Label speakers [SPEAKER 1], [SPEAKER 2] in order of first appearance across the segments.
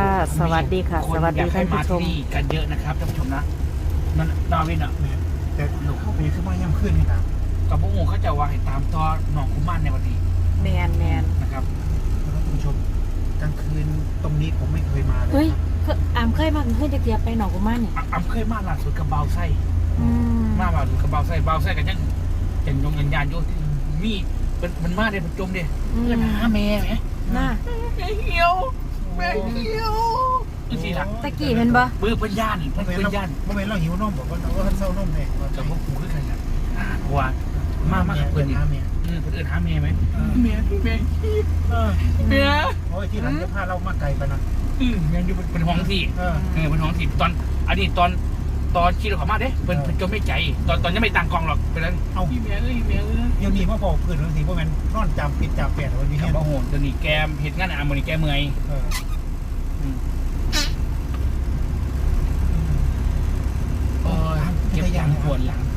[SPEAKER 1] สวัสดีค่ะสวัสดีท่านผู้ชม
[SPEAKER 2] กันเยอะนะครับท่านผู้ชมนะนั่นดาวินอ่ะ
[SPEAKER 3] แต่หนูเข้าไปขึ้นมาย่ำขึ้นนี่นะ
[SPEAKER 2] กับพวกเขาจะว่าให้ตามต่อหนองคุ้มมันในวันนี้
[SPEAKER 1] แมน
[SPEAKER 2] นะครับ
[SPEAKER 3] ท่านผู้ชมกลางคืนตรงนี้ผมไม่เคยมาเลย
[SPEAKER 1] เฮ้ยอามเคยมาเคยจะเกียบไปหนองกุมารเนี่ย
[SPEAKER 2] อำเคยมาล่าสุดกับเบาไส้มาล่าสุดกับเบาไส้กันยังยงยานอยู่มีมันมาเลยมันจมเลยเพื่อนหาแม่ไหม
[SPEAKER 1] น่า
[SPEAKER 2] แม่เหี่ยวนี่ล่ะ
[SPEAKER 1] ตะกี้เป็นบ่
[SPEAKER 2] เพื่อนย่านเพื่อนย่าน
[SPEAKER 3] เมื่อเวลาเราหิวนมบอกว่าเราเศร้านมเลย
[SPEAKER 2] กับพวกกูคือกันนะเพราะว่ามาเพื่อน
[SPEAKER 3] หาแม่
[SPEAKER 2] คนอื่นหาแม่ไหมแม่
[SPEAKER 3] โอ้ยที่หลังจะพาเรามาไกลไปนะ
[SPEAKER 2] แม่อยู่เป็นห้องที่เป็นห้องที่ตอนอันนี้ตอนขี่รถเข้ามาเด้เป็นจมไม่ใจตอนยังไม่ต่างกองหรอกเป็นนั้น
[SPEAKER 3] เอา
[SPEAKER 2] แม่เ
[SPEAKER 3] ดี๋ยวนี้มาบอกเพื่อนบางทีว่ามันนอนจำปิดจำเปลี่ยนวันนี้
[SPEAKER 2] เนี่ยโอ้โหเดี๋ยวนี้แกเห็นงานมันนี่แกเมื่อยเก็บยางปวดหลัง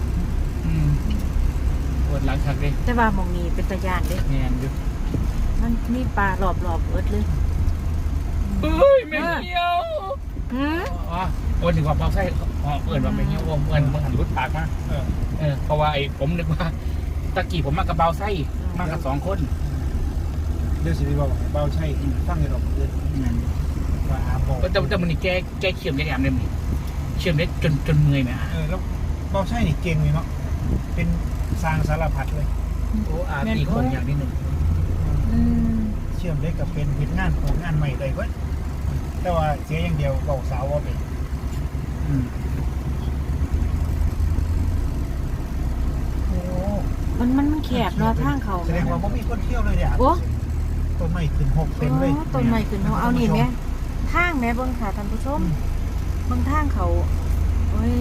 [SPEAKER 2] ปวดหลังชักเลย
[SPEAKER 1] แต่ว่ามองนี้เป็นตะยานเด้
[SPEAKER 2] แม่นอยู่
[SPEAKER 1] มันมีปลารอบเอิดเลย
[SPEAKER 2] เฮ้ยแม่เหี่ยววันถึงว่าเบาไส้เปิดว่าแม่เหี่ยวเปิดมันหันรุดปากมาเพราะว่าไอ้ผมนึกว่าตะกี้ผมมากับเบาไส้มากับ2 คน
[SPEAKER 3] เดี๋ยวสิบอกเบาใช่ฟังในดอกเดือนว่าอาบอก
[SPEAKER 2] แต่มันนี่แกเขี่ยมได้แอมเลยมันเชื่อมได้จนเมื่อยไหม
[SPEAKER 3] แล้วเบาใช่นี่เก่งเลยเนาะเป็นสร้างสารพัดเลย
[SPEAKER 2] โอ้ตีคนอย่างนิดนึง
[SPEAKER 3] เชื่อมได้กับเป็นผิดงานของงานใหม่เลยเว้ยแต่ว่าเสียอย่างเดียวเบาสาวว่าเป็น
[SPEAKER 1] โอ้มันแคบเนาะทางเขา
[SPEAKER 3] แสดงว่าไม่มีคนเที่ยวเลยเนี่ยต้นไม้ขึ้น6 เต็มเลย
[SPEAKER 1] ต้นไม้ขึ้นเอานี่แม่ทางแม่เบิ่งค่ะท่านผู้ชมเบิ่งทางเขาเฮ้ย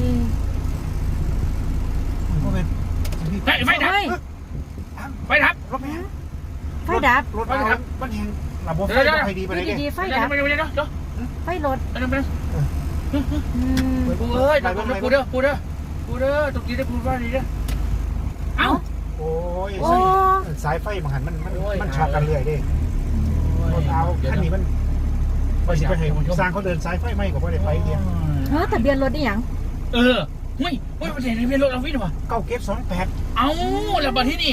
[SPEAKER 2] ไฟดับ
[SPEAKER 3] รถ
[SPEAKER 1] ไฟดับ
[SPEAKER 3] รถมันแหงระบบไฟไฟดีไปเลย
[SPEAKER 1] ไฟดับไฟรถ
[SPEAKER 2] เฮ้ยแต่กูเด้อตรงนี้ได้กูว่าดีเด้อเอ้า
[SPEAKER 3] โอ้ยสายไฟมันหันมันช็อตกันเรื่อยดิรถเอาคันนี้มันไปสิไปให้สร้างเขาเดินสายไฟไหมกับว่าได้ไฟเดียว
[SPEAKER 1] ทะเบียนรถนี่หยัง
[SPEAKER 2] ไม่ประเด็นทะเบียนรถเราวิ่งหรอ
[SPEAKER 3] 9G28
[SPEAKER 2] เอ้าแล้วบ้านที่นี่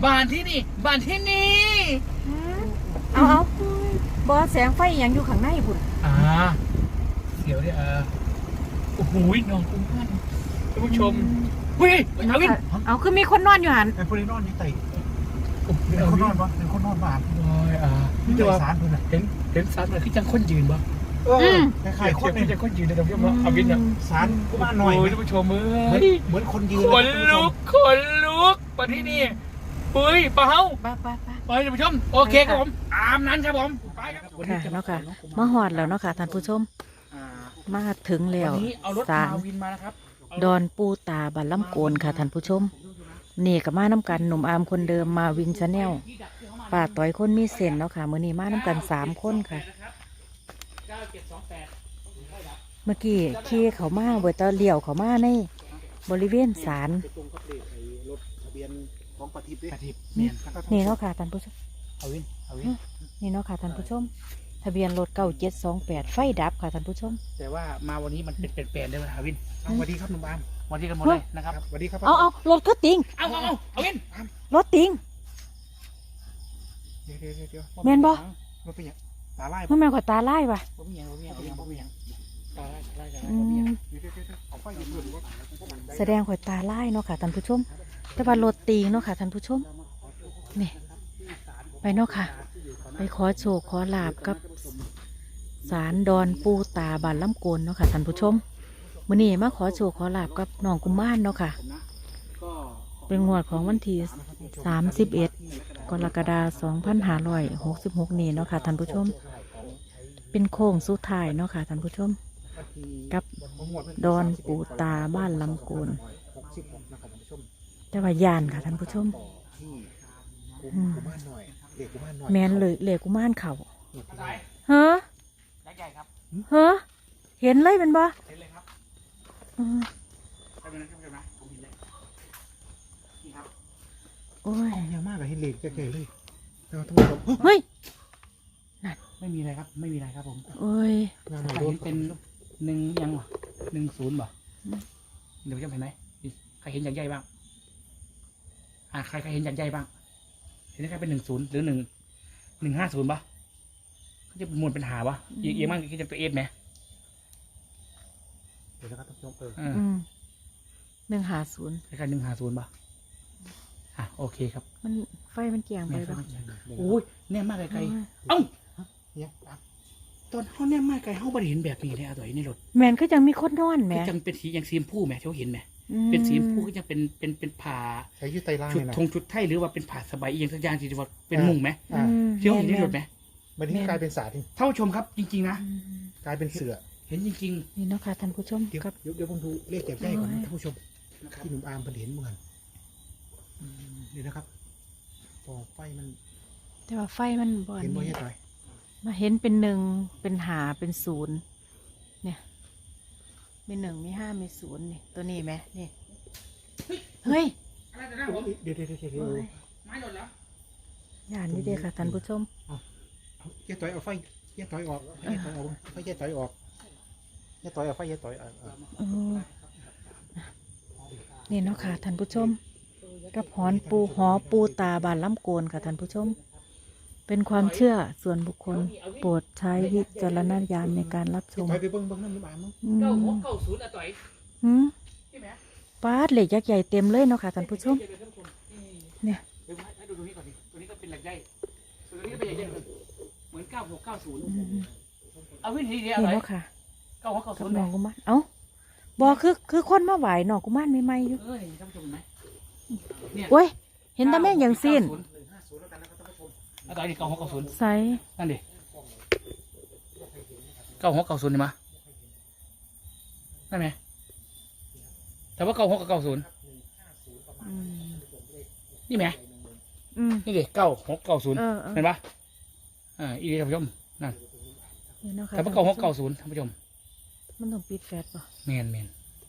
[SPEAKER 1] เอาบอแสงไฟยังอยู่ข้างในพุ่น
[SPEAKER 2] เดี๋ยวเนี่ยโอ้โหน้องคุณท่านผู้ชมเฮ้ย
[SPEAKER 1] เอาคือมีคนนอนอยู่หัน
[SPEAKER 3] เป็นคนนอนนี่ไต่เป็นคนนอนปะเป็นคนนอนบ้าน
[SPEAKER 2] นี่จะว่าสารคุณเห็นสารมันคือจังคนยืนปะ
[SPEAKER 3] คล้ายๆคน
[SPEAKER 2] นี่จะคนยืนในตรงนี้มั้งอาวินอ่ะ
[SPEAKER 3] สารบ้านหน่อย
[SPEAKER 2] ท่านผู้ชม
[SPEAKER 3] เหมือนคนยืน
[SPEAKER 2] คนลุกมาที่นี่เฮ้ยเปล่าไปท่านผู้ชมโอเคครับผมอาบนั้นครับผมไปครับ
[SPEAKER 1] ค่ะเนาะค่ะมาหอดแล้วเนาะค่ะท่านผู้ชมมาถึงแล้วศาลดอนปูตาบัลลัมโกนค่ะท่านผู้ชมนี่กับมาน้ำกันหนุ่มอามคนเดิมมาวินชาแนลป้าต่อยคนมีเส้นเนาะค่ะมื้อนี้มาน้ำกัน3 คนค่ะเมื่อกี้ขี่เขามาเวทเลี้ยวเขามาในบริเวณศาลนี่เนาะค่ะท่านผู้ชมนี่เนาะค่ะท่านผู้ชมทะเบียนรถ9728ไฟดับค่ะท่านผู้ชม
[SPEAKER 2] แต่ว่ามาวันนี้มันเป็นเปลี่ยนเลยฮาวินสวัสดีครับหนุ่มอามสวัสดีกันหมดเลยนะครับ
[SPEAKER 3] สวัสดีครับ
[SPEAKER 1] เอารถก็ติง
[SPEAKER 2] เอาวิน
[SPEAKER 1] รถติง
[SPEAKER 3] เดี๋ยว
[SPEAKER 1] แม่นบ่
[SPEAKER 3] รถเป็นยังตาไล่
[SPEAKER 1] มันแม่นกว่าตาไล่ป่ะแสดงข่อยตาไล่เนาะค่ะท่านผู้ชมแต่ว่ารถติงเนาะค่ะท่านผู้ชมนี่ไปเนาะค่ะไปขอโชคขอลาบกับศาลดอนปูตาบัลลัมโกนเนาะค่ะท่านผู้ชมมื้อนี้มาขอโชคขอลาบกับน้องกุมารเนาะค่ะเป็นงวดของวันที่31 กรกฎาคม 2566นี้เนาะค่ะท่านผู้ชมเป็นโค้งสุดท้ายเนาะค่ะท่านผู้ชมกับดอนปูตาบ้านลำโกนแต่ว่ายานค่ะท่านผู้ชมแมนเลยเหล็กกุมารเข่าเฮ้เห็นเลยเป็นบ่โอ้ย
[SPEAKER 3] เยอะมากเลยเห็นเหล็กแก่เลย
[SPEAKER 1] เฮ้ยนั่น
[SPEAKER 2] ไม่มีอะไรครับ ไม่มีอะไรครับผม
[SPEAKER 1] โอ้ย
[SPEAKER 3] งาน
[SPEAKER 2] ใคร
[SPEAKER 3] รถ
[SPEAKER 2] เห็นเป็น1ยังวะ10บ่
[SPEAKER 1] อืม
[SPEAKER 2] เดี๋ยวจะเห็นไหมใครเห็นอย่างใหญ่บ้างใครเห็นอย่างใหญ่บ้างเห็นใครเป็น10หรือ150ป่ะเขาจะมวลเป็นหาป่ะเอียงมากคิดจะตัวเอสไหม
[SPEAKER 3] เดี๋ยวนะครับท่านผู้ชม
[SPEAKER 1] 150
[SPEAKER 2] คล้ายๆ150ป่ะโอเคครับ
[SPEAKER 1] มันไฟมันเกี่ยงไป
[SPEAKER 2] แม่
[SPEAKER 1] แล้ว
[SPEAKER 2] โอ้ยแน่มากไกลๆเอ้า
[SPEAKER 3] เนี่ย
[SPEAKER 2] ตอนเขาแน่มากไกลเขาไม่ได้เห็นแบบนี้เลยตัวในรถ
[SPEAKER 1] แมนก็ยังมีคนนอนแหม
[SPEAKER 2] ก็ยังเป็นสีอย่างสีชมพูแหมเขาเห็นไหม
[SPEAKER 1] อืม
[SPEAKER 2] เป็นสีชมพูก็ยังเป็นผ่า
[SPEAKER 3] ใช้ยืดไตล่าง
[SPEAKER 2] ชุด
[SPEAKER 3] เลยนะ
[SPEAKER 2] ธงชุดไทยหรือว่าเป็นผ่าสบายเอียงสักอย่างที่ว่าเป็นมุ้งไหม
[SPEAKER 3] อ่า
[SPEAKER 2] เที่ยวเห็นในรถไหม
[SPEAKER 3] วันนี้กลายเป็นสาที่
[SPEAKER 2] ท่านผู้ชมครับจริงๆนะ
[SPEAKER 1] อืม
[SPEAKER 3] กลายเป็นเสือ
[SPEAKER 2] เห็นจริง
[SPEAKER 1] นี่เนาะค่ะท่านผู้ชม
[SPEAKER 3] เดี๋ยว
[SPEAKER 1] กับ
[SPEAKER 3] เดี๋ยวผมดูเลขแจกได้ก่อนนะท่านผู้ชม
[SPEAKER 2] ๆนะครับ
[SPEAKER 3] ที่หนุ่มอาร์มเพิ่นเห็นเหมือนเดี๋ยวนะครับพอไฟมัน
[SPEAKER 1] แต่ว่าไฟมันบ่อน
[SPEAKER 3] เห็นบ่
[SPEAKER 1] นี่
[SPEAKER 3] เฮ็ดหน่อย
[SPEAKER 1] มาเห็นเป็น1เป็น5เป็น0เนี่ยมี1มี5มี0นี่ตัวนี้ไหมนี่เฮ้ย
[SPEAKER 2] อะไรแต่นะผม
[SPEAKER 3] เดี๋ยว
[SPEAKER 1] โอ้ย
[SPEAKER 2] ไม้หล่นแล้ว
[SPEAKER 1] ย่านนี่เด้อค่ะท่านผู้ชม
[SPEAKER 3] แย่ต่อยเอาไฟแย่ต่อยออกแย่ต่อยออกไฟแย่ต่อยออกแย่ต่อยเอาไฟแย่ต่อย
[SPEAKER 1] เออนี่เนาะค่ะท่านผู้ชม กับหอปูตาบานล้ำโกนค่ะท่านผู้ชม เป็นความเชื่อส่วนบุคคล โปรดใช้วิจารณญาณในการรับชม
[SPEAKER 3] ต่อยไปเบิ่งนั่นหนุ่มอาร์มมั้ง
[SPEAKER 1] อื
[SPEAKER 2] 9690ต่อย
[SPEAKER 1] หืม
[SPEAKER 2] ใช่ไหม
[SPEAKER 1] ปาดเหล็กยักษ์ใหญ่เต็มเลยเนาะค่ะท่านผู้ชม เนี่ย
[SPEAKER 2] เดี๋ยวให้ดูตรงนี้ก่อนดิตัวนี้ก็เป็นเหล็กใหญ่ตัวนี้ก็เป็นเหล็กใหญ่เหมือน9690
[SPEAKER 1] อืม
[SPEAKER 2] เอาวิธีเดียว
[SPEAKER 1] นี่
[SPEAKER 2] เลย
[SPEAKER 1] เนาะค่ะกับ
[SPEAKER 2] 9690
[SPEAKER 1] น้องกุมารเอ้าบอคือคนมาไหวน้องกุมารใหม่ๆอยู่
[SPEAKER 2] นี่ท่านผู้ชมเห็นไหมเนี่ย
[SPEAKER 1] โอ้ย เห็นแต่แม่งอย่างสิ้น
[SPEAKER 2] แล้วต่อยนี่9690
[SPEAKER 1] ใส่
[SPEAKER 2] นั่นดิ9690เห็นไหมนั่นไหมแต่ว่า96กับ90
[SPEAKER 1] อืม
[SPEAKER 2] นี่ไหม
[SPEAKER 1] อืม
[SPEAKER 2] นี่ดิ9690
[SPEAKER 1] เออ
[SPEAKER 2] เห็นปะอีท่านผู้ชมนั่น
[SPEAKER 1] นี่เนาะค่ะ
[SPEAKER 2] แต่ว่า9690ท่านผู้ชม
[SPEAKER 1] มันต้องปิดแฟลชป่ะ
[SPEAKER 2] แมน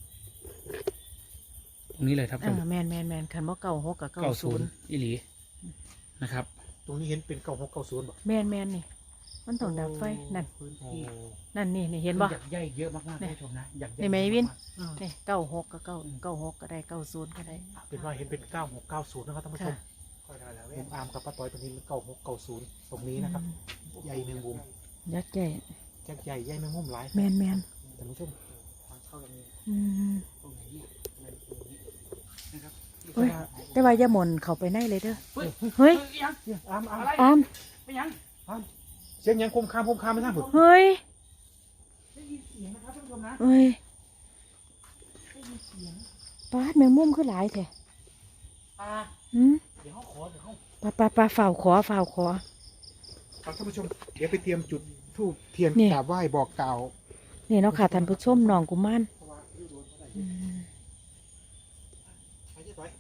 [SPEAKER 2] ตรงนี้เลยครับท่านผู้ชม
[SPEAKER 1] แมนคันว่า96กับ90
[SPEAKER 2] 90อีหลีนะครับ
[SPEAKER 3] ตรงนี้เห็นเป็น9690บ่
[SPEAKER 1] แมนนี่มันต้องดับไฟนั่น
[SPEAKER 2] พื้นที่
[SPEAKER 1] นั่นนี่เห็นบ่
[SPEAKER 2] อยากใหญ่เยอะมากๆท่านผู้ชมนะอยากใหญ่
[SPEAKER 1] นี่ไหมวิน
[SPEAKER 2] าก
[SPEAKER 1] นี่96กับ96ก็ได้90ก็ได้
[SPEAKER 3] เป็นว่าเห็นเป็น9690นะครับท่านผู้ชม
[SPEAKER 1] ค่ะ
[SPEAKER 3] ผมอาร์มกับป้าต้อยตรงนี้มัน9690ตรงนี้นะครับใหญ่แมงมุม
[SPEAKER 1] ยักษ์ใหญ่
[SPEAKER 3] แจ็คใหญ่ใหญ่แมงมุมหลาย
[SPEAKER 1] แมน
[SPEAKER 3] ท่านผู้ชม
[SPEAKER 2] ทางเข้าอย่างนี้
[SPEAKER 1] อืม
[SPEAKER 2] ตรงไหนเนี่ยอะไรตรงนี้นะครับ
[SPEAKER 1] โอ้ยแต่ว่าอย่าหม่นเข้าไปในเลยเด้อ
[SPEAKER 2] เฮ้ย
[SPEAKER 1] เฮ้ย
[SPEAKER 2] ยัง
[SPEAKER 3] เนี่ยอาร์ม
[SPEAKER 2] อะไร
[SPEAKER 1] อาม
[SPEAKER 2] ไปยัง
[SPEAKER 3] เสียงยังคมคามไม่ทราบผม
[SPEAKER 1] เฮ้ย
[SPEAKER 2] ได้ยินเสียงนะครับท่านผู้ชมนะ
[SPEAKER 1] เฮ้ย
[SPEAKER 2] ได้ยินเสียง
[SPEAKER 1] ปาดแมงมุมคือหลายแท้ อืม
[SPEAKER 2] เดี๋ยวเขาขอเดี๋ยวเขา
[SPEAKER 1] ปลาฝ่าวขอ
[SPEAKER 3] ครับท่านผู้ชมเดี๋ยวไปเตรียมจุดธูปเทียน
[SPEAKER 1] นี่
[SPEAKER 3] กราบไหว้บอกกล่าว
[SPEAKER 1] นี่เนาะค่ะท่านผู้ชมน้องกุมารอืม
[SPEAKER 3] ไปเจ๊ต้อย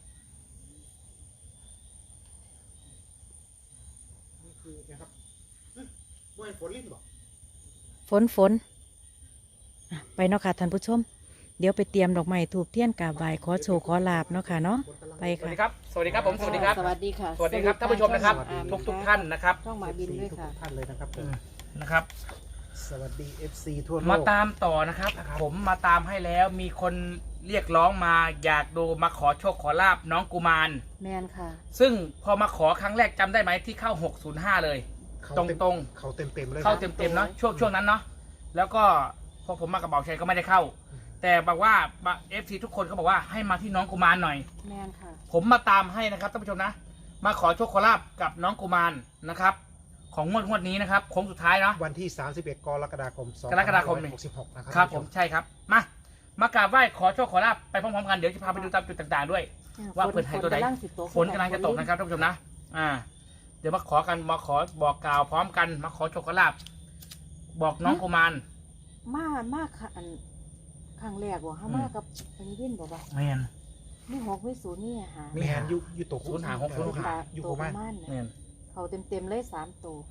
[SPEAKER 3] นี่คือนะครับบ่อยฝนลิ้นบ่
[SPEAKER 1] ฝนอ่ะไปเนาะค่ะท่านผู้ชม เดี๋ยวไปเตรียมดอกไม้ถูกเทียนกราบไหว้ขอโชว์ขอลาบเนาะค่ะเนาะไป
[SPEAKER 2] สวัส
[SPEAKER 1] ค่ะ
[SPEAKER 2] ดีครับ สวัสดีครับผม สวัสดีครับ
[SPEAKER 4] สวัสดีค่ะ
[SPEAKER 2] สวัสดีครับท่านผู้ชมนะครับ ทุกท่านนะครับ
[SPEAKER 4] ช่องหมาบินด้วยค่ะ
[SPEAKER 3] ทุกท่านเลยนะครับ
[SPEAKER 2] นะครับ
[SPEAKER 3] สวัสดี FC ทั่วโล
[SPEAKER 2] มาก ตามต่อนะครับ ผมมาตามให้แล้วมีคนเรียกร้องมาอยากดูมาขอโชคขอลาบน้องกุมาร
[SPEAKER 4] แมนค่ะ
[SPEAKER 2] ซึ่งพอมาขอครั้งแรกจำได้ไหมที่เข้า 605 เลย
[SPEAKER 3] เขา
[SPEAKER 2] ตรง
[SPEAKER 3] เขาเต็มเลย
[SPEAKER 2] เข้าเต็มๆเนาะช่วงนั้นเนาะแล้วก็พอผมมากระเป๋าชัยก็ไม่ได้เข้า แต่บอกว่า FC ทุกคนเขาบอกว่าให้มาที่น้องกุมารหน่อย
[SPEAKER 4] แมนค่ะ
[SPEAKER 2] ผมมาตามให้นะครับท่านผู้ชมนะ มาขอโชคขอลาบกับน้องกุมารนะครับ ของงวดนี้นะครับโค้งสุดท้ายเนาะ
[SPEAKER 3] วันที่ 31 กรกฎาคม
[SPEAKER 2] กรกฎาคมนี่
[SPEAKER 3] 2566นะครับ
[SPEAKER 2] ครับผมใช่ครับมากราบไหว้ขอโชคขอลาบไปพร้อมๆกันเดี๋ยวจะพาไปดูตามจุดต่างๆด้วย ว่าเปิดให้ตัวใด ฝนกำลังจะตกนะครับท่านผู้ชมนะเดี๋ยวมาขอกันมาขอบอกกล่าวพร้อมกันมาขอโชคขอลาบบอกน้องกุมาร
[SPEAKER 4] มาค่ะอันครั้งแรกว่าเขามากับเป็นยินบอกว่า
[SPEAKER 2] แมน
[SPEAKER 4] นี่6 นี่หา
[SPEAKER 3] มีแฮนอยู่ตก
[SPEAKER 2] ศูนย์หาหกศูนย์หา
[SPEAKER 3] อยู่
[SPEAKER 4] โต
[SPEAKER 3] โค
[SPEAKER 4] ป
[SPEAKER 3] ม่า
[SPEAKER 4] ระมาณ
[SPEAKER 2] แมน
[SPEAKER 4] เขาเต็มเลย3 ตัว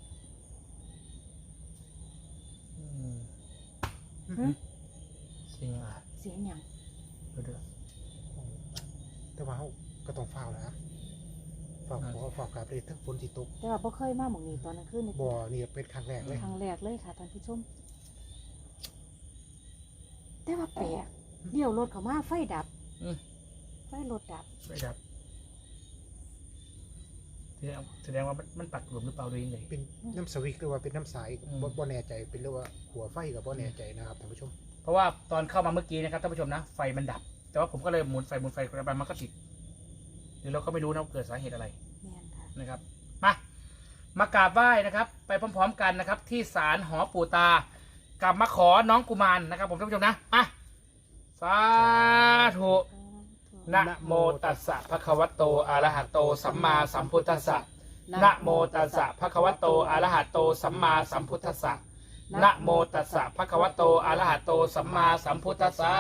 [SPEAKER 2] เสียงอะไร
[SPEAKER 4] เสียงหยัง
[SPEAKER 2] เดี๋ยว
[SPEAKER 3] แต่ว่าเขาก็ต้องเฝ้าแล้วฝากขอฝากกราบเลยทั้งฝนสิตก
[SPEAKER 4] แต่ว่าบ่เคยมาหม่องนี้ตอนกลางคืนนี่
[SPEAKER 3] บ่อนี่เป็นครั้งแรกเลย
[SPEAKER 4] ครั้งแรกเลยค่ะท่านผู้ชม แต่ว่าแปลกเดี๋ยวรถเขามาไฟดับ
[SPEAKER 2] อืม
[SPEAKER 4] ไฟรถดับ
[SPEAKER 2] ไม่ดับแสดงว่ามันปักหลุมหรือเปล่าเลยยังไง
[SPEAKER 3] เป็นน้ำสวิกหรือว่าเป็นน้ำสาย
[SPEAKER 2] อืม
[SPEAKER 3] บ่แน่ใจเป็นเรียกว่าหัวไฟกับบ่แน่ใจนะครับท่านผู้ชม
[SPEAKER 2] เพราะว่าตอนเข้ามาเมื่อกี้นะครับท่านผู้ชมนะไฟมันดับ แต่ว่าผมก็เลยหมุนไฟไปมันก็ติดหรือเราก็ไม่รู้นะว่าเกิดสาเหตุอะไร
[SPEAKER 4] แม่นค่ะ
[SPEAKER 2] นะครับมากราบไหว้นะครับ ไปพร้อมๆกันนะครับ ที่ศาลหอปู่ตากลับมาขอน้องกุมารนะครับ ผมท่านผู้ชมนะสาธุนะโมตัสสะภะคะวะโตอะระหะโตสัมมาสัมพุทธัสสะนะโมตัสสะภะคะวะโตอะระหะโตสัมมาสัมพุทธัสสะนะโมตัสสะภะคะวะโตอะระหะโตสัมมาสัมพุทธัสสะ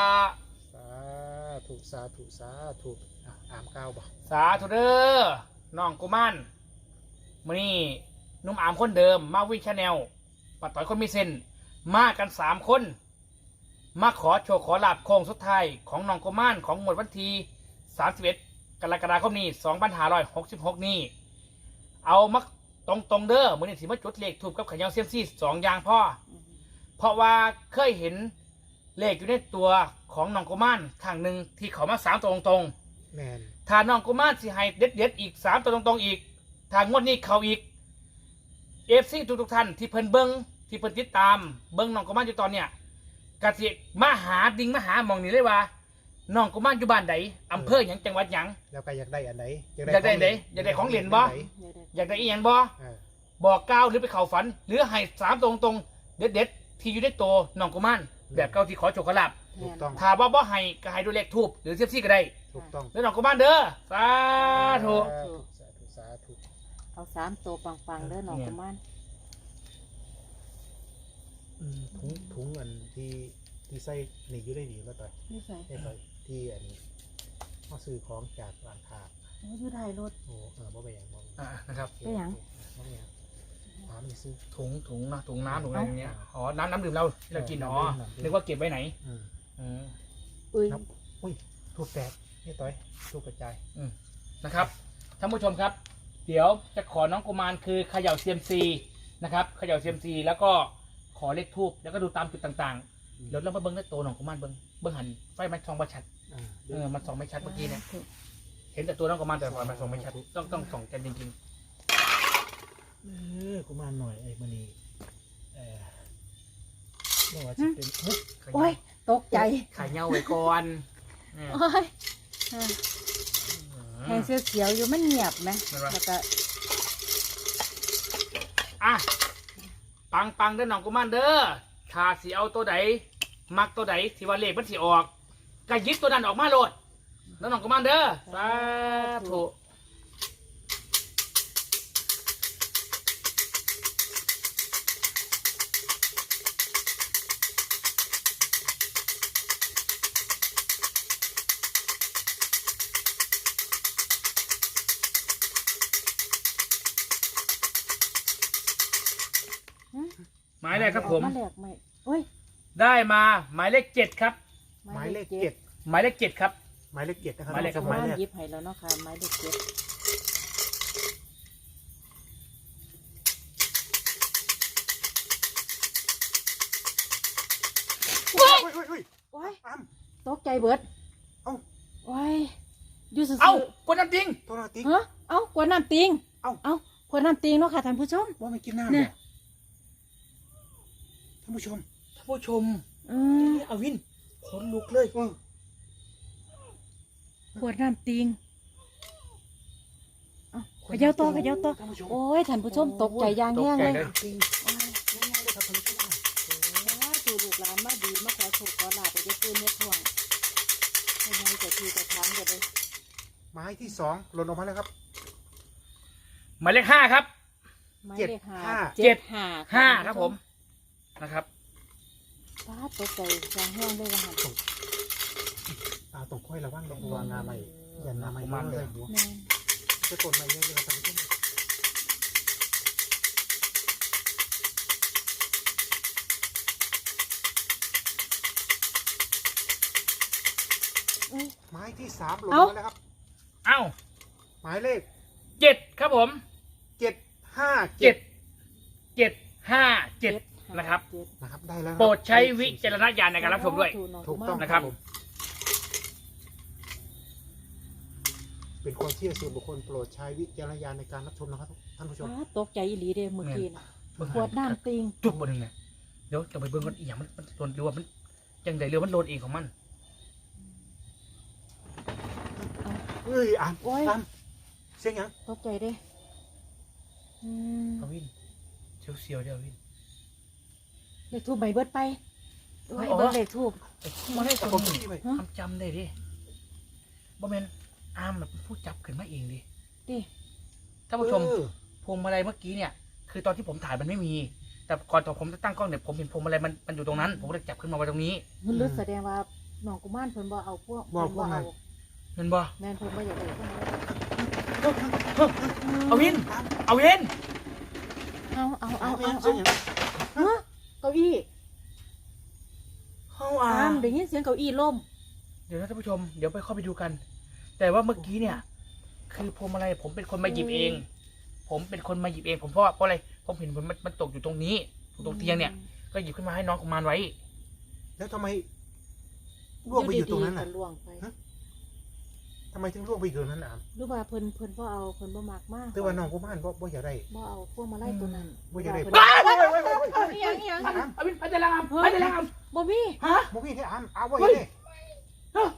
[SPEAKER 3] สาธุอ่ามก้าวบ่
[SPEAKER 2] สาธุเด้อน้องกุมารมื้อนี้นุ่มอามคนเดิมมาวิ่งชาแนลปัดต่อยคนมีเส้นมากัน3 คนมาขอโชคขอลาบโค้งสุดท้ายของน้องกุมารของหมวดวันที่31 กรกฎาคมนี้2566นี้เอามาตรงเด้อมื้อนี้สิมาจุดเลขทูบกับขยาวเซียมซี่2อย่างพ่อเพราะว่าเคยเห็นเลขอยู่ในตัวของน้องกุมารครั้งหนึ่งที่เขามา3 ตัวตรงๆ
[SPEAKER 3] แมน
[SPEAKER 2] ถ้าน้องกุมารสิให้เด็ดอีก3 ตัวตรงๆอีกทางงวดนี้เขาอีกFC ทุกท่านที่เพิ่นเบิ้งที่เพิ่นติดตามเบิ้งน้องกุมารอยู่ตอนเนี้ยกะสิมาหามาหาหมองนี่เลยว่าน้องกุมารอยู่บ้านใดอำเภอหยังจังหวัดหยัง
[SPEAKER 3] แล้วก็อยากได้อันไหน
[SPEAKER 2] อยากได้อันไหนอยากได้ของเหรียญบ่ อยากได้อีหยังบ่
[SPEAKER 3] เออ
[SPEAKER 2] บอกกล่าวหรือไปเข้าฝัน หรือให้3 ตัวตรงๆเด็ดที่อยู่ในตัวน้องกุมารแบบเก่าที่ขอโชคขอลาภ
[SPEAKER 3] ถูกต้อง
[SPEAKER 2] ถ้าบ่ให้ก็ให้ด้วยเลขทูบหรือเซียมซี่ก็ได้
[SPEAKER 3] ถูกต้อง
[SPEAKER 2] แล้วน้องกุมารเด้อสาธุ
[SPEAKER 3] สาธุ
[SPEAKER 4] เอา3 ตัวปังๆเด้อน้องกุมาร
[SPEAKER 3] ถุงอันที่ใส่นี่อยู่ได้ดีมาต่อย
[SPEAKER 4] นี่ใส่
[SPEAKER 3] ได้ต่อยที่อันเขาซื้อของจากร้านค้า
[SPEAKER 4] อยู่ท้ายรถ
[SPEAKER 3] โอ้บ่ไปอย่างบ่
[SPEAKER 2] นะครับ
[SPEAKER 4] ไปหยัง
[SPEAKER 3] บ่ไปอย่างถามนี่ซื้อ
[SPEAKER 2] ถุงนะถุงน้ำถุงอะไรอย่างเงี้ยอ๋อน้ำดื่มเรากินอ๋อ
[SPEAKER 3] น้ำดื่ม
[SPEAKER 2] นึกว่าเก็บไว้ไหน
[SPEAKER 3] อืม
[SPEAKER 4] อุ้ย
[SPEAKER 3] ครับอุ้ยถูกแตกนี่ต่อยถูกกระจาย
[SPEAKER 2] นะครับท่านผู้ชมครับ เดี๋ยวจะขอน้องกุมารคือเขย่าเซียมซีนะครับเขย่าเซียมซีแล้วก็ขอเลขทูบแล้วก็ดูตามจุดต่างๆเดี๋ยวเรามาเบิ้งในตัวน้องกุมารเบิ้งหันไฟมันส่องไม่ชัดมันส่องไม่ชัดเมื่อกี้เนี่ยเห็นแต่ตัวน้องกุมารแต่ไฟมันส่องไม่ชัดต้องส่องกันจริง
[SPEAKER 3] กูมาหน่อยไอ้มันนี่นี่ว่าจะเป็น
[SPEAKER 2] ๆ
[SPEAKER 4] โอ้ยตกใจ
[SPEAKER 2] ไข่เงาไว้ก่อนเนี่ย
[SPEAKER 4] โอ้ยแห้งเสียวๆอยู่มันเงียบไหมแล้วก็
[SPEAKER 2] ปังเด้อน้องกุมารเด้อถ้าสิเอาตัวใดมักตัวใดที่ว่าเลขมันสิออกก็หยิบตัวนั้นออกมาโลดแล้วน้องกุมารเด้อสาธุ หมายเลขครับผม
[SPEAKER 4] มาแหลกไหมโอ้ย
[SPEAKER 2] ได้มาหมายเลข7ครับ
[SPEAKER 3] หมายเลขเจ็ด
[SPEAKER 2] หมายเลข7ครับ
[SPEAKER 3] หมายเลขเจ็ดนะครับ
[SPEAKER 2] หมายเลข
[SPEAKER 4] กุมารหยิบให้แล้วเนาะค่ะหมายเลข7
[SPEAKER 3] โอ้ย
[SPEAKER 4] โอ้ย
[SPEAKER 3] อ้ำ
[SPEAKER 4] ตกใจเบิด
[SPEAKER 3] เอ้า
[SPEAKER 4] โอ้ยอยู่ซื่อๆ
[SPEAKER 2] เอ้าคนน้ำจริง
[SPEAKER 3] ตัวนาติ๊ก
[SPEAKER 4] ฮะเอ้ากวนน้ำติง
[SPEAKER 3] เอ้า
[SPEAKER 4] กวนน้ำติงเนาะค่ะท่านผู้ชม
[SPEAKER 3] ว่าไม่กินน้ำ
[SPEAKER 4] เนี่
[SPEAKER 3] เนี่ย ยท่านผู้ชม
[SPEAKER 2] ท่านผู้ชมอาวินขนลุกเลย
[SPEAKER 4] กวนน้ำติงเอ้าเขย่าต่อโอ้ยท่านผู้ชมตกใจอย่างแห้งเลย
[SPEAKER 2] ตกใจเลย
[SPEAKER 3] ติ๊งง่ายๆเลยครับท่านผู้ชม
[SPEAKER 4] ถูกลูกหลานมาดีมาขอโชคขอลาบไปได้ปืนเน็ตท่วงให้ยังจะทีจะถามกันเลย
[SPEAKER 3] หมายที่2หล่นออกมาแล้วครับ
[SPEAKER 2] หมายเลข5ครับ
[SPEAKER 4] หมายเลขห้า
[SPEAKER 3] เจ็ด
[SPEAKER 2] 5ครับผมนะครับ
[SPEAKER 4] ป้าตกใจอย่างแห้งเลยนะฮะ
[SPEAKER 3] ต้องค่อยระวังต้องวางงาใหม่อย่างาใหม่มากเลยหัว
[SPEAKER 4] แม่น
[SPEAKER 3] จะกดใหม่เยอะเลยครับท่านผู้ชม
[SPEAKER 4] เอ้ย
[SPEAKER 3] หมายที่3หล่นออกมาแล้วครับ
[SPEAKER 2] เอ้า
[SPEAKER 3] หมายเลข
[SPEAKER 2] 7ครับผม
[SPEAKER 3] 757
[SPEAKER 2] 757นะครับ
[SPEAKER 3] นะครับได้แล้ว
[SPEAKER 2] โปรดใช้วิจารณญาณในการรับชมด้วย
[SPEAKER 3] ถูกต้อง
[SPEAKER 2] นะครับ
[SPEAKER 3] ผมเป็นความเชื่อส่วนบุคคลโปรดใช้วิจารณญาณในการรับชมนะครับท่านผู้ชม
[SPEAKER 4] ตกใจอีหลีเด้เมื่อกี้นะขวดน้ำติง
[SPEAKER 2] จุดบนหนึ่งเนี่ยเดี๋ยวจะไปเบิ่งกันอีกอย่างมันโดนหรือว่ามันยังไงเรือมันโดนเองของมัน
[SPEAKER 3] เอ้ยอ่าน
[SPEAKER 4] โอ้ย
[SPEAKER 3] อ่านเสียงหยัง
[SPEAKER 4] ตกใจเด้อืม
[SPEAKER 2] เอาวินเสียวเดี๋ยววิน
[SPEAKER 4] เลขทูบใบเบิดไปโอ้ย
[SPEAKER 2] อ๋อ
[SPEAKER 4] เบิดเลขทูบ
[SPEAKER 2] มาได้
[SPEAKER 3] แต่
[SPEAKER 2] ค
[SPEAKER 3] ผม
[SPEAKER 2] น
[SPEAKER 3] ที่ไป
[SPEAKER 2] จำได้ดิบ่แม่นอามแบบผู้จับขึ้นมาเองดิ
[SPEAKER 4] ดิ
[SPEAKER 2] ท่านผู้ชม
[SPEAKER 3] เออ
[SPEAKER 2] พวงมาลัยเมื่อกี้เนี่ย คือตอนที่ผมถ่ายมันไม่มี แต่ก่อนตอนผมจะตั้งกล้องเนี่ยผมเห็นพวงมาลัยมันอยู่ตรงนั้น ผมก็เลยจับขึ้นมาไว้ตรงนี้
[SPEAKER 4] มันรู้แสดงว่าน้องกุมารเพิ่นบ่เอาพวก
[SPEAKER 3] บ่พวกนั้น
[SPEAKER 2] เห็นบ่
[SPEAKER 4] แม่นเพิ่นบ่อยากได้พวกนั้น
[SPEAKER 2] เอาวินเอาวิน
[SPEAKER 4] เอา
[SPEAKER 3] เสียงหยัง
[SPEAKER 4] ฮะเก้าอี้
[SPEAKER 2] เอา
[SPEAKER 4] อามได้ยินเสียงเก้าอี้ล่ม
[SPEAKER 2] เดี๋ยวนะท่านผู้ชมเดี๋ยวไปเข้าไปดูกัน แต่ว่าเมื่อกี้เนี่ย คือพวงมาลัยผมเป็นคนมาหยิบเอง ผมเป็นคนมาหยิบเองผมเพราะอะไรผมเห็นมันตกอยู่ตรงนี้ตรงเตียงเนี่ย ก็หยิบขึ้นมาให้น้องกุมารไว้
[SPEAKER 3] แล้วทำไมล่วงไปอยู่ตรงนั้น
[SPEAKER 4] ๆ
[SPEAKER 3] น่ะ
[SPEAKER 4] ก็ล่วงไป
[SPEAKER 3] ทำไมถึงล่วงไปอยู่ตรงนั้นอ่ะ
[SPEAKER 4] หรือว่าเพิ่นบ่เอาเพิ่นบ่มักมาก
[SPEAKER 3] แต่ว่าน้องกูบ้านบ่อยากได้
[SPEAKER 4] บ่เอาพวกมาไล่ตัวนั้น
[SPEAKER 3] บ่อยากได้
[SPEAKER 4] เพิ่น
[SPEAKER 3] ว้าย
[SPEAKER 4] อีหยังอีหยัง
[SPEAKER 2] เอาวินไปจะลามไปจะลาม
[SPEAKER 4] บ่มี
[SPEAKER 2] ฮะ
[SPEAKER 3] บ่มีให้อ่านเอาบ่อยากได้
[SPEAKER 4] เอ้า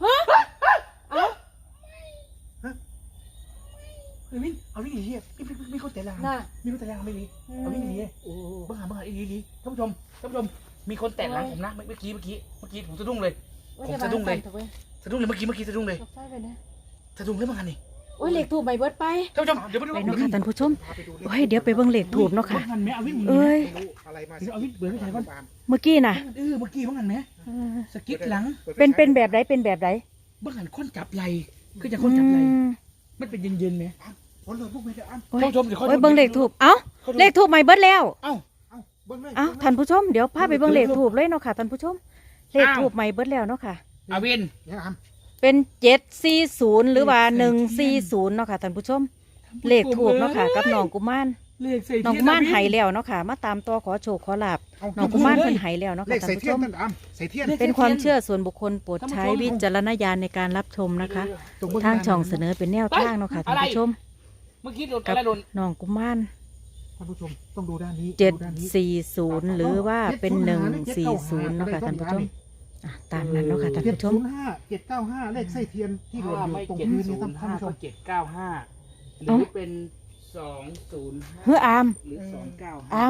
[SPEAKER 2] เอาวินเอาวินดีมีคนแต่ลาม
[SPEAKER 4] น่ะ
[SPEAKER 2] มีคนแต่ลามไม่ดีเอาวินดี
[SPEAKER 3] โอ้
[SPEAKER 2] บ้าดีท่านผู้ชมมีคนแต่หลังผมนะเมื่อกี้ผมสะดุ้งเลย ผมสะดุ้งเลย สะดุ้งเลยเมื่อกี้สะดุ้งเลย
[SPEAKER 4] ตกใจไปนะ
[SPEAKER 2] สะดุ้งเลยเมื่อกี้นี่
[SPEAKER 4] โอ้ยเลขทูบใบเบิดไป
[SPEAKER 2] ท่านผู้ชมเดี๋ยวไปดู
[SPEAKER 1] ไปเนาะค่ะท่านผู้ชม
[SPEAKER 3] พาไปดู
[SPEAKER 1] โอ้ยเดี๋ยวไปเบิ่งเลขถูกเนาะค่ะ
[SPEAKER 2] เมื่อกี้แม่เอาวิน
[SPEAKER 1] เอ้ย
[SPEAKER 3] ไม่รู้อะไรมา
[SPEAKER 2] เอาวินเบื่อไม่ใช่ก่อน
[SPEAKER 1] เมื่อกี้น่ะ
[SPEAKER 2] เมื่อกี้เมื่อกี้แม่สกิดหลัง
[SPEAKER 1] เป็นแบบไหนเป็นแบบไหน
[SPEAKER 2] เมื่อกี้คนจับไหลคือจะคนจับไหล
[SPEAKER 1] อืม
[SPEAKER 2] มันเป็นเย็นๆไหม
[SPEAKER 3] ผลเลยพวกไม่ได้อ่าน
[SPEAKER 1] โอ้ย
[SPEAKER 2] ท่านผู้ชมเดี๋ยว
[SPEAKER 1] โอ้ยเบิ่งเลขถูกเอ้าเลขถูกใหม่เบิดแล้ว
[SPEAKER 2] เอ้า
[SPEAKER 3] เอาเบิ่งเลย
[SPEAKER 1] เอ้าท่านผู้ชมเดี๋ยวพาไปเบิ่งเลขถูกเลยเนาะค่ะท่านผู้ชมเลข
[SPEAKER 2] อ้าว
[SPEAKER 1] ถูกใหม่เบิดแล้วเนาะค่ะ
[SPEAKER 2] เอาวิน
[SPEAKER 3] ยังอ่าน
[SPEAKER 1] เป็น740หรือว่า140เนาะค่ะท่านผู้ชม เลขถูกเนาะค่ะกับน้องกุมาร
[SPEAKER 2] เลขใส่
[SPEAKER 1] น้องกุมารไห้แล้วเนาะค่ะ มาตามตัวขอโชคขอลาบน้องกุมารเพิ่นไห้แล้วเนาะ
[SPEAKER 3] เล
[SPEAKER 1] ค่ะ
[SPEAKER 3] ข
[SPEAKER 1] ท่า
[SPEAKER 3] ใส่
[SPEAKER 1] นผู้
[SPEAKER 3] เทีย
[SPEAKER 1] ช
[SPEAKER 3] น
[SPEAKER 1] ม
[SPEAKER 3] ท่านอ่านใส่เทียน
[SPEAKER 1] เป็นความเชื่อส่วนบุคคลโปรดใช้วิจารณญาณในการรับชมนะคะ ทางช่องเสนอเป็นแนวทางเนาะค่ะท่านผู้ชม
[SPEAKER 2] เมื่อกี้โดน
[SPEAKER 1] กั
[SPEAKER 2] อะไรโดน
[SPEAKER 1] น้องกุมาร
[SPEAKER 3] ท่านผู้ชมต้องดูด้านนี้
[SPEAKER 1] 740หรือว่าเป็น140เนาะค่ะท่านผู้ชมอ่ะตามนั้นเนาะค่ะท่านผู้ชม
[SPEAKER 3] 705 เลขใส่เทียนที่หล่นอยู่ตรง
[SPEAKER 2] 705
[SPEAKER 3] พื้นนี่ท่านผู้ชม
[SPEAKER 2] 795หรือเป็น205
[SPEAKER 1] เฮ้ออาม
[SPEAKER 2] หรือ295
[SPEAKER 1] อาม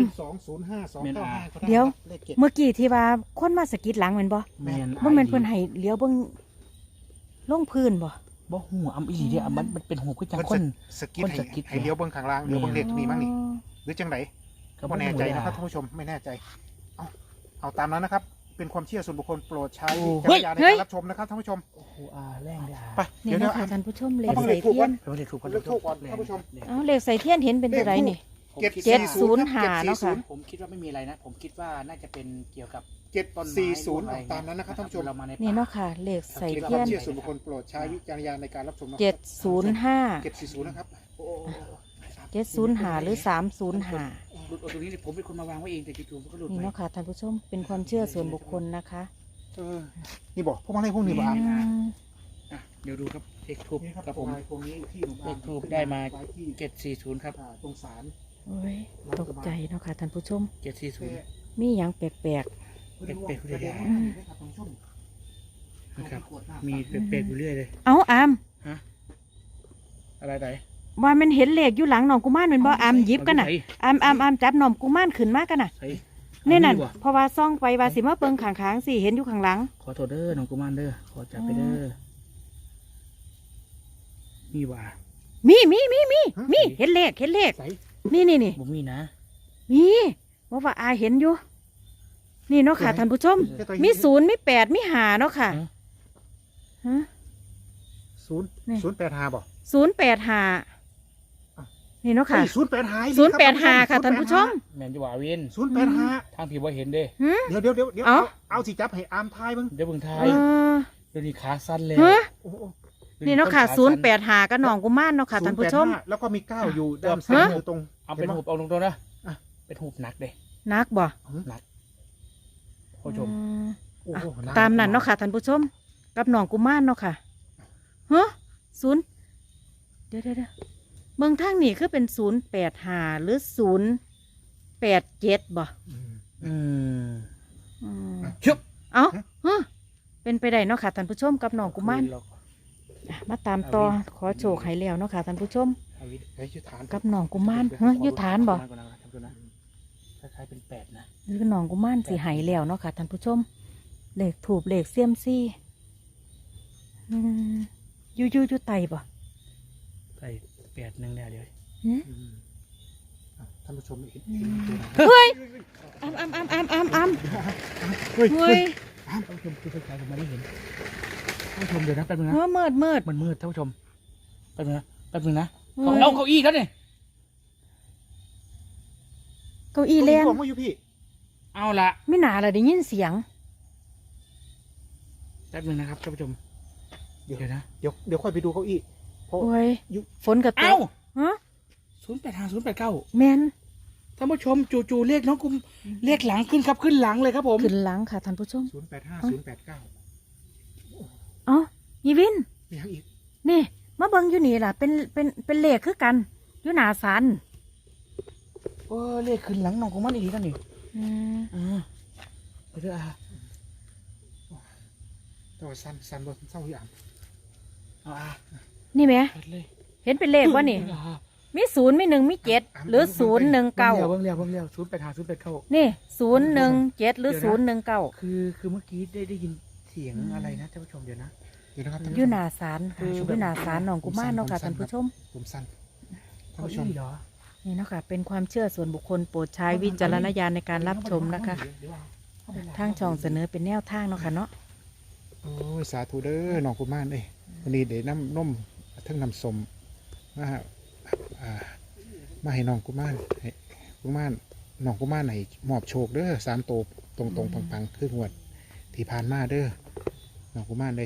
[SPEAKER 3] 205
[SPEAKER 1] เดี๋ยว
[SPEAKER 3] เลขเจ็ด
[SPEAKER 1] เมื่อกี้ที่ว่าคนมาสะกิดหลังแม่นบ่
[SPEAKER 2] แม่น
[SPEAKER 1] บ่แม่นเพิ่นให้เลี้ยวเบิ่งลงพื้นบ่
[SPEAKER 2] บ่หูอำอีหลีเด้อมันเป็นหูคือจังคน
[SPEAKER 3] สกิด
[SPEAKER 2] คนสกิด
[SPEAKER 3] ให้เลี้ยวเบื้องข้างล่างเลี้ยวเบื้องเลขนี่มั้งนี่หรือจังไหนก็แน่ใจนะครับท่านผู้ชมไม่แน่ใจเอาตามนั้นนะครับ เป็นความเชื่อส่วนบุคคลโปรดใช้วิจารณญาณในการรับชมนะครับท่านผู้ชม
[SPEAKER 2] โอ้โหแรงเด้อ
[SPEAKER 3] ไป
[SPEAKER 1] นี่
[SPEAKER 3] เดี๋ยว
[SPEAKER 1] เนาะ
[SPEAKER 3] เดี๋ยว
[SPEAKER 1] ค่ะท่านผู้ชมเลข
[SPEAKER 3] เอา
[SPEAKER 1] ใส่
[SPEAKER 3] เลขถูก
[SPEAKER 1] เทีย
[SPEAKER 3] ก่อน
[SPEAKER 1] น
[SPEAKER 2] เลขถูก
[SPEAKER 3] เลขถูกก่อนท่านผู้ชม
[SPEAKER 1] เอ้าเลขใส่เทียนเห็นเป็นตัวใดนี่ 705เนาะค่ะ
[SPEAKER 2] ผมคิดว่าไม่มีอะไรนะ ผมคิดว่าน่าจะเป็นเกี่ยวกับ
[SPEAKER 3] 740ตามนั้นนะครับท่านผู้ชม
[SPEAKER 2] เรามาใน
[SPEAKER 1] นี่เนาะค่ะ เลขใส่
[SPEAKER 3] เป็นค
[SPEAKER 1] เทียว
[SPEAKER 3] าม
[SPEAKER 1] น
[SPEAKER 3] เชื่อส่วนบุคคลโปรดใช้วิจารณญาณในการรับชมนะ
[SPEAKER 1] 705
[SPEAKER 3] 740นะครับ
[SPEAKER 1] 705หรือ305
[SPEAKER 2] หลุดออกตรงนี้ผมเป็นคนมาวางไว้เองแต่จู่ๆมันก็หลุด
[SPEAKER 1] นี่
[SPEAKER 2] ไป
[SPEAKER 1] เนาะค่ะท่านผู้ชมเป็นความเชื่อส่วนบุคคลนะคะ
[SPEAKER 3] นี่บอกพวกมันให้พวกนี้บอก
[SPEAKER 1] อืม
[SPEAKER 2] อ่ะเดี๋ยวดูครับเลขทูบ
[SPEAKER 3] นี่ครับ
[SPEAKER 2] ครับผม
[SPEAKER 3] พวกนี้ที่หนุ่ม
[SPEAKER 2] เลขทูบได้มา740ครับ
[SPEAKER 3] ตรงศาล
[SPEAKER 1] โอ้ยตกใจเนาะค่ะท่านผู้ชม
[SPEAKER 2] 740
[SPEAKER 1] มีหยังแปลก
[SPEAKER 2] เป็ดๆเลยนะครับมีเป็ดๆอยู่เรื่อยเลย
[SPEAKER 1] ๆ เอาอาม
[SPEAKER 2] อะไรไหน
[SPEAKER 1] ว่ามันเห็นเลขอยู่หลังน้องกุมารแม่นบ่อามหยิบกันน่ะอามจับน้องกุมารขึ้นมากันน่ะ
[SPEAKER 2] ใส่
[SPEAKER 1] นี่นั่น
[SPEAKER 2] เอาดีกว่า
[SPEAKER 1] เพราะว่าซ่องไปว่าสิมาเบิ่งข้างๆสิเห็นอยู่ข้างหลัง
[SPEAKER 2] ขอโทษเด้อน้องกุมารเด้อขอจับไปเด้อนี่ว่า
[SPEAKER 1] มีเห็นเลข
[SPEAKER 2] ใส่
[SPEAKER 1] นี่
[SPEAKER 2] บ่มีนะ
[SPEAKER 1] มีว่าอาเห็นอยู่ นี่เนาะค่ะท่านผู้ชม มี0มี8มี5เนาะค่ะฮะ
[SPEAKER 3] 085บอก
[SPEAKER 1] 085นี่เนาะค่ะ 085ค่ะท่านผู้ชม
[SPEAKER 2] แม่นจะว่าวิน
[SPEAKER 3] 085
[SPEAKER 2] ทางพี่ว่าเห็นเด้
[SPEAKER 3] เดี๋ยวเอาสิจับให้อามทายบ้าง
[SPEAKER 2] เดี๋ยวเบิ่งทา
[SPEAKER 1] เอย อ
[SPEAKER 2] เดี๋ยวนี้ขาสั้นแล้ว
[SPEAKER 1] ฮะ
[SPEAKER 3] โอ้โห
[SPEAKER 1] นี่เนาะค่ะ085กับน้องกุมารเนาะค่ะท่านผู้ชม
[SPEAKER 3] 085แล้วก็มี9อยู่ด้านซ้ายมือตรง
[SPEAKER 2] เอาเป็นหูบเอาตรงๆนะ
[SPEAKER 3] อ่ะ
[SPEAKER 2] เป็นหูบหนักเด้
[SPEAKER 1] นักบ่
[SPEAKER 2] ผู้ชม
[SPEAKER 3] โอ้โห
[SPEAKER 1] ตามนั้นเนาะค่ะท่านผู้ชมกับน้องกุมารเนาะค่ะฮะเดี๋ยวเมืองทางนี่คือเป็น085หรือ087บ่
[SPEAKER 2] อืม
[SPEAKER 1] อืม
[SPEAKER 2] ชุบ
[SPEAKER 1] เอ้าฮะเป็นไปได้เนาะค่ะท่านผู้ชมกับน้องกุมารอ่ะมาตามต่อขอโชคให้แล้วเนาะค่ะท่านผู้ชม
[SPEAKER 3] เฮ้ยยุทธาน
[SPEAKER 1] กับน้องกุมารเฮ้ยอยู่ฐานบ่
[SPEAKER 2] คล้ายๆเป็นแปดนะ
[SPEAKER 1] หรือน้องกุมารสิใหายแล้วเนาะค่ะท่านผู้ชมเลขถูกเลขเสียมซี่อยู่ไตบ่
[SPEAKER 2] ใส่แปดหนึ่งแล้วเดี๋ยว
[SPEAKER 1] หืม
[SPEAKER 3] ท่านผู้ชมเห็น
[SPEAKER 1] เฮ้ยอ้ำ
[SPEAKER 3] เฮ้ย
[SPEAKER 1] เฮ้ย
[SPEAKER 2] ท่านผู้ชมคือคล้ายๆผมไม่ได้เห็นท่านผู้ชมเดี๋ยวนะแป๊บนึงนะ
[SPEAKER 1] เฮ้ยมืด
[SPEAKER 2] มันมืดท่านผู้ชมแป๊บนึงนะแป๊บนึงนะ
[SPEAKER 1] เฮ้ย
[SPEAKER 2] เอาเก้าอี้แล้วเนี่ย
[SPEAKER 1] เก้าอี้เล่น
[SPEAKER 3] ตัวมาอยู่พี่
[SPEAKER 2] เอาละ
[SPEAKER 1] ไม่หนาเลยได้ยินเสียง
[SPEAKER 2] แป๊บนึงนะครับท่านผู้ชมเดี๋ยวนะ
[SPEAKER 3] เดี๋ยวค่อยไปดูเก้าอี้เพราะ
[SPEAKER 1] โอ้ย
[SPEAKER 3] อยู่
[SPEAKER 1] ฝนกระต
[SPEAKER 2] เอ้าก
[SPEAKER 1] ฮะ
[SPEAKER 2] 085
[SPEAKER 1] แมน
[SPEAKER 2] ท่านผู้ชมจู่ๆเรียกน้องกุมเรียกหลังขึ้นครับขึ้นหลังเลยครับผม
[SPEAKER 1] ขึ้นหลังค่ะท่านผู้ชม
[SPEAKER 3] 085 089
[SPEAKER 1] เอ๋อยีวิน
[SPEAKER 3] มีทั้งอีก
[SPEAKER 1] นี่มาเบิ่งอยู่นี่ล่ะเป็นเลขคือกันอยู่หนาสัน
[SPEAKER 2] เรียกขึ้นหลังน้องกุมารอีกทีกันนี่
[SPEAKER 1] อืม
[SPEAKER 2] ไปเถอะอ่ะ
[SPEAKER 3] แต่ว่าสั้นบนเศร้าอยู่อ่าง
[SPEAKER 2] เอาอ่ะ
[SPEAKER 1] นี่ไหม
[SPEAKER 2] เปิดเลย
[SPEAKER 1] เห็นเป็นเลขวะนี่ มี0มี1มี7หรือ019
[SPEAKER 2] เบิ่งแล้ว085
[SPEAKER 1] นี่017หรือ019
[SPEAKER 2] คือเมื่อกี้ได้ยินเสียงอะไรนะท่านผู้ชมเดี๋ยวนะ
[SPEAKER 3] เดี๋ยวนะครับท่าน
[SPEAKER 1] อ
[SPEAKER 3] ผู้ช
[SPEAKER 1] ยู่
[SPEAKER 3] ม
[SPEAKER 1] หนาศาลอยู่หนาศาลหนองกุมารเนาะค่ะท่านผู้ชม
[SPEAKER 3] ผมสั้นท่าน
[SPEAKER 2] เก้า
[SPEAKER 3] ผู้ชม
[SPEAKER 2] อี้เหรอ
[SPEAKER 1] นี่เนาะค่ะเป็นความเชื่อส่วนบุคคลโปรดใช้วิจารณญาณในการรับชมนะคะ ทางช่องเสนอเป็นแนวทางเนาะค่ะเนาะ
[SPEAKER 3] โอ้ยสาธุเด้อน้องกุมารเอ้ยวันนี้เดี๋ยวน้ำนมทั้งน้ำสมมามาให้น้องกุมารให้กุมารน้องกุมารให้มอบโชคเด้อ3 โตวตรงปังๆคืองวดที่ผ่านมาเด้อน้องกุมารเลย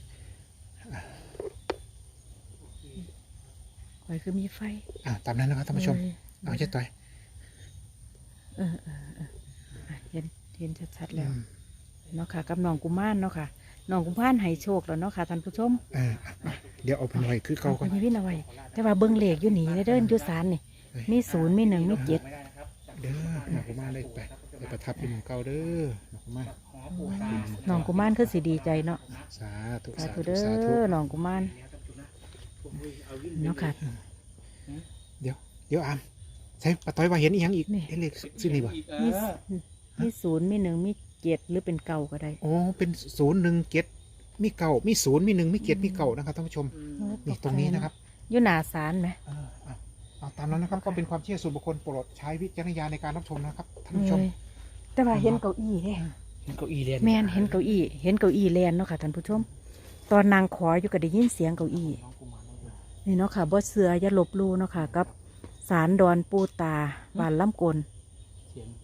[SPEAKER 1] คอยคือมีไฟ
[SPEAKER 3] ตามนั้นนะครับท่านผู้ชม เอาเจ๊ต้อย
[SPEAKER 1] อ่ะเห็นชัดๆแล้วเนาะค่ะกับน้องกุมารเนาะค่ะน้องกุมารให้โชคแล้วเนาะค่ะท่านผู้ชม
[SPEAKER 3] เดี๋ยวเอาไปไว้คือเก่าก่อน
[SPEAKER 1] เอาไปวินเอาไว้แต่ว่าเบิ้งเลขอยู่นี่เดินอยู่ศาลนี่มี0มี1มี7
[SPEAKER 3] เด้อน้องกุมารเลยไปประทับอยู่หมู่เก่าเด้อน้องกุมาร
[SPEAKER 1] น้องกุมารคือสิดีใจเนาะ
[SPEAKER 3] สาธุ
[SPEAKER 1] สา
[SPEAKER 3] สา
[SPEAKER 1] ธุ
[SPEAKER 3] ธุ
[SPEAKER 1] เด้
[SPEAKER 3] สาธุ
[SPEAKER 1] อน้องกุมารเนาะค่ะ
[SPEAKER 3] เดี๋ยวอามใช่ป้าต้อยว่าเห็นอีกยังอีก
[SPEAKER 1] นี่
[SPEAKER 3] เห็นเลขชื่อนี่บ่
[SPEAKER 1] มี0มี1มี7หรือเป็นเก่าก็ได้
[SPEAKER 3] โอ้เป็น017มีเก่ามี0มี1มี7มีเก่านะครับท่านผู้ชมนี่ตรงนี้นะครับ
[SPEAKER 1] อยู่หนาศาลไหม
[SPEAKER 3] เอาตามนั้นนะครับก็เป็นความเชื่อส่วนบุคคลโปรดใช้วิจารณญาณในการรับชมนะครับท่านผู้ชม
[SPEAKER 1] แต่ว่าเห็นเก้าอี้เด้
[SPEAKER 2] เห็นเก้าอี้เรียน
[SPEAKER 1] แม่นเห็นเก้าอี้แลนเนาะค่ะท่านผู้ชม ตอนนางขออยู่ก็ได้ยินเสียงเก้าอี้นี่เนาะค่ะบ่เสืออย่าลบลู่เนาะค่ะกับศาลดอนปูตาบ้านลำกล
[SPEAKER 2] เสียง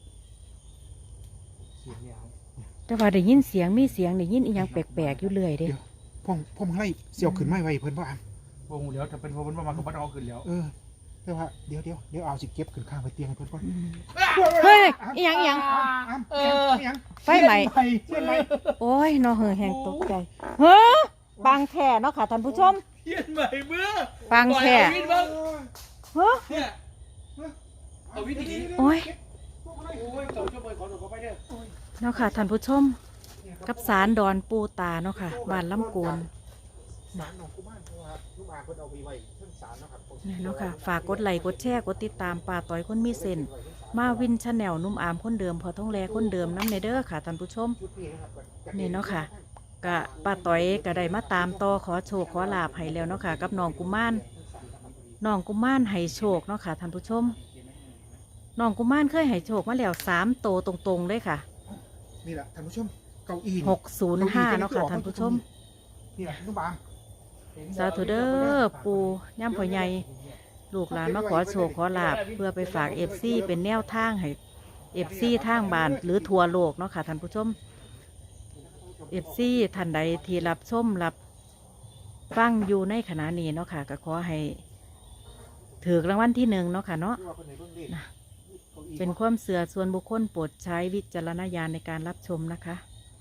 [SPEAKER 2] ยาว
[SPEAKER 1] แต่ว่าได้ยินเสียงมีเสียงได้ยินอีหยังแปลกๆอยู่เรื่อยเด้
[SPEAKER 3] พ่อมึงไล่เสี่ยวขึ้นไม่ไว้เพิ่นว่าอาม
[SPEAKER 2] วงเดี๋ยวถ้าเป็นพวกมันมากับบ้านเอาขึ้นแล้ว
[SPEAKER 3] แต่ว่าเดี๋ยวเอาสิเก็บขึ้นข้างไปเตียงให้เพิ่นก่อน
[SPEAKER 1] เฮ้ยอีหยังอีหยัง
[SPEAKER 3] อาม
[SPEAKER 1] ไฟไหม้
[SPEAKER 3] เสี้ยนไหม
[SPEAKER 1] โอ้ยเนาะแหงตกใจเฮ้อปังแท้เนาะค่ะท่านผู้ชม
[SPEAKER 2] เทียนใหม่เมื่อ
[SPEAKER 1] ปังแท้
[SPEAKER 2] วินบ้าง
[SPEAKER 1] เฮ้อ
[SPEAKER 2] เนี่ยเอาวินดี
[SPEAKER 1] โอ้ย
[SPEAKER 2] โอ้ยต่อช่วยขอหนูขอไปเด้อ
[SPEAKER 1] เนาะค่ะท่านผู้ชม กับศาลดอนปูตาเนาะค่ะบ้านลำโกน
[SPEAKER 3] ศาลหนองกุมารเพราะว่าลูกอาเพิ่นเอาไปไว้เพิ่นศาลนะครับผม
[SPEAKER 1] นี่เนาะค่ะฝากกดไลค์กดแชร์กดติดตามป่าต่อยคนมีเส้นมาวินชาแนลนุ่มอามคนเดิมพอท้องแลคนเดิมน้ำในเด้อค่ะท่านผู้ชม
[SPEAKER 3] ชุดนี้นะครับ
[SPEAKER 1] นี่เนาะค่ะกะป้าต่อยก็ได้มาตามต่อขอโชคขอลาภให้แล้วเนาะค่ะกับน้องกุมารให้โชคเนาะค่ะท่านผู้ชมน้องกุมารเคยให้โชคมาแล้ว3 โตวตรงๆเลยค่ะ
[SPEAKER 3] นี่แหละท่านผู้ชมเก้าอี้
[SPEAKER 1] 605เนาะค่ะท่านผู้ชม
[SPEAKER 3] นี่แหละลูกบาม
[SPEAKER 1] สาธุเด้อปูย่ำพ่อใหญ่ลูกหลานมาขอโชคขอลาภเพื่อไปฝากFCเป็นแนวทางให้FCทางบ้านหรือทั่วโลกเนาะค่ะท่านผู้ชมFCท่านใดที่รับชมรับฟังอยู่ในขณะนี้เนาะค่ะก็ขอให้ถือรางวัลที่ 1เนาะค่ะเนาะเป็นความเสื่อส่วนบุคคลโปรดใช้วิจารณญาณในการรับชมนะคะ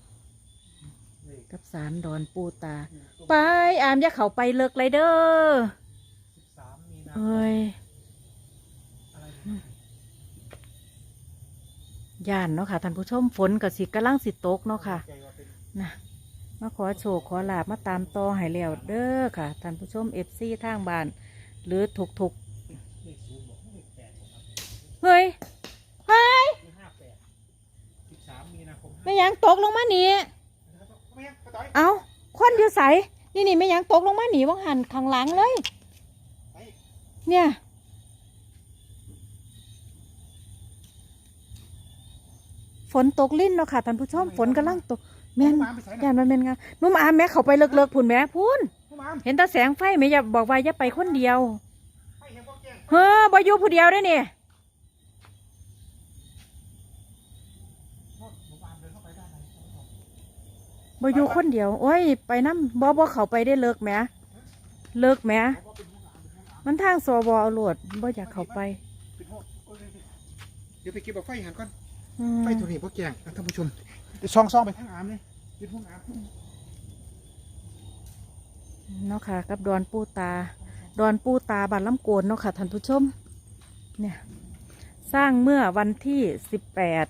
[SPEAKER 1] กับศาลดอนปูตาไปอามอย่าเข้าไปเลิกเลยเด้อเอ้ยย่านเนาะค่ะท่านผู้ชมฝนกับสิกำลังสิตกเนาะค่ะนะมาขอโชคขอลาบมาตามต่อให้แล้วเด้อค่ะท่านผู้ชมFCทางบ้านหรือถูกเฮ้ยเฮ้ยไม่ยังตกลงมาหนีเอาควันอยู่ใสนี่ไม่ยังตกลงมาหนีว่างหันข้างหลังเลยเนี่ยฝนตกลิ้นเนาะค่ะท่านผู้ชมฝนกำลังตกแม่นย่านมันแม่นงานุ่มอามแม่เขาไปเลิกๆพุ่นแม่พุ่นเห็นตาแสงไฟแม่อย่าบอกว่าอย่าไปคนเดียวเฮ้อบ่อยู่ผู้เดียวได้เนี่ยบ่อยู่คนเดียวโอ้ยไปน้ำบ่เขาไปได้เลิกแหมมันทางสวเอาโหลดบ่อยากเข้าไป
[SPEAKER 3] เดี๋ยวไปเก็บเอาไฟหันก่อน
[SPEAKER 1] อืม
[SPEAKER 3] ไฟตัวนี้พวกแกงท่านผู้ชมช่องไปทางอามเลยยืนพวกอาม
[SPEAKER 1] เนาะค่ะกับดอนปูตาบานลำโกนเนาะค่ะท่านผู้ชมเนี่ยสร้างเมื่อวันที่18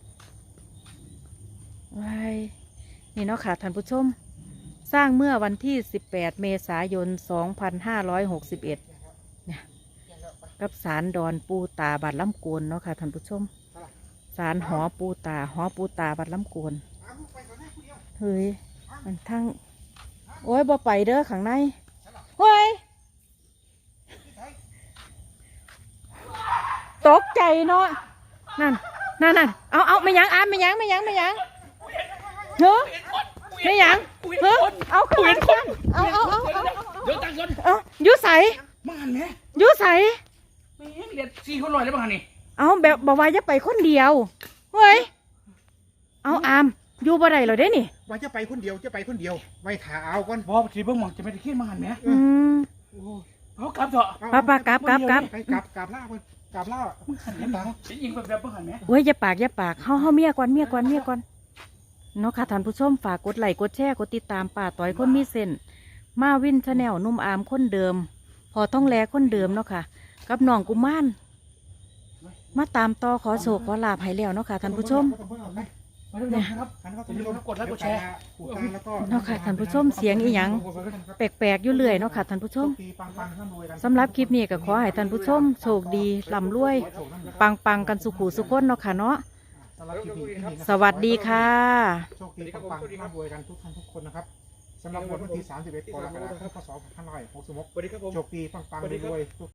[SPEAKER 1] ไว้นี่เนาะค่ะท่านผู้ชมสร้างเมื่อวันที่18เมษายน2561เนี่ยกับศาลดอนปูตาบานลำโกนเนาะค่ะท่านผู้ชมศาลหอปูตาบานลำโกนเฮ้ยมันทั้งโอ้ยบ่ไปเด้อข้างในเฮ้ยตกใจเนาะนั่นเอาไม่ยังอามไม่ยังเฮ้อไม่ยังเฮ้อเอาขึ้นมาเอา
[SPEAKER 2] เดี๋ยวตังค์ก่อน
[SPEAKER 1] ยุใส
[SPEAKER 2] มาหันแม่
[SPEAKER 1] ยุใส
[SPEAKER 2] แม่เรียน4คนลอยได้บ้างหันนี่
[SPEAKER 1] เอาแบบบอกว่าจะไปคนเดียวเฮ้ยเอาอามอยู่บ่ได้เหรอเด้นี่
[SPEAKER 3] ว่าจะไปคนเดียวไว้ถ่าเอาก่อน
[SPEAKER 2] บอกทีเบิ่งหมองจะไม่ได้คิดมาหันแม่
[SPEAKER 1] อืม
[SPEAKER 2] เอากลับเถอะ
[SPEAKER 1] ป้ากลับ
[SPEAKER 3] ไปกลับล่าก่อนกลับล่า
[SPEAKER 2] หันแม่ตายิงแบบบ้างหันแม่
[SPEAKER 1] เว้ยอย่าปากเฮาเมียก่อนเนาะค่ะท่านผู้ชมฝากกดไลค์กดแชร์กดติดตามป้าต้อยคนมีเส้นมาวินชาแนลนุ่มอามคนเดิม พอต้องแลคนเดิมเนาะค่ะกับน้องกุมารมาตามต่อขอโชคขอลาภให้แล้วเนาะค่ะท่านผู้ชม
[SPEAKER 2] เนี่ยครับ
[SPEAKER 3] กดไลค์กดแชร์แล้วก็
[SPEAKER 1] เนาะค่ะท่านผู้ชมเสียงอีหยังแปลกๆอยู่เรื่อยเนาะค่ะท่านผู้ชมสำหรับคลิปนี้ก็ขอให้ท่านผู้ชมโชคดีร่ำรวยปังกันสุขุสุขคนเนาะค่ะเนาะสวัสดีค่ะ
[SPEAKER 3] โชคดีปังๆร่ำรวยกันทุกท่านทุกคนนะครับสำหรับวันที่31กรกฎาคมพศ2566โชคดีปังๆรวยๆ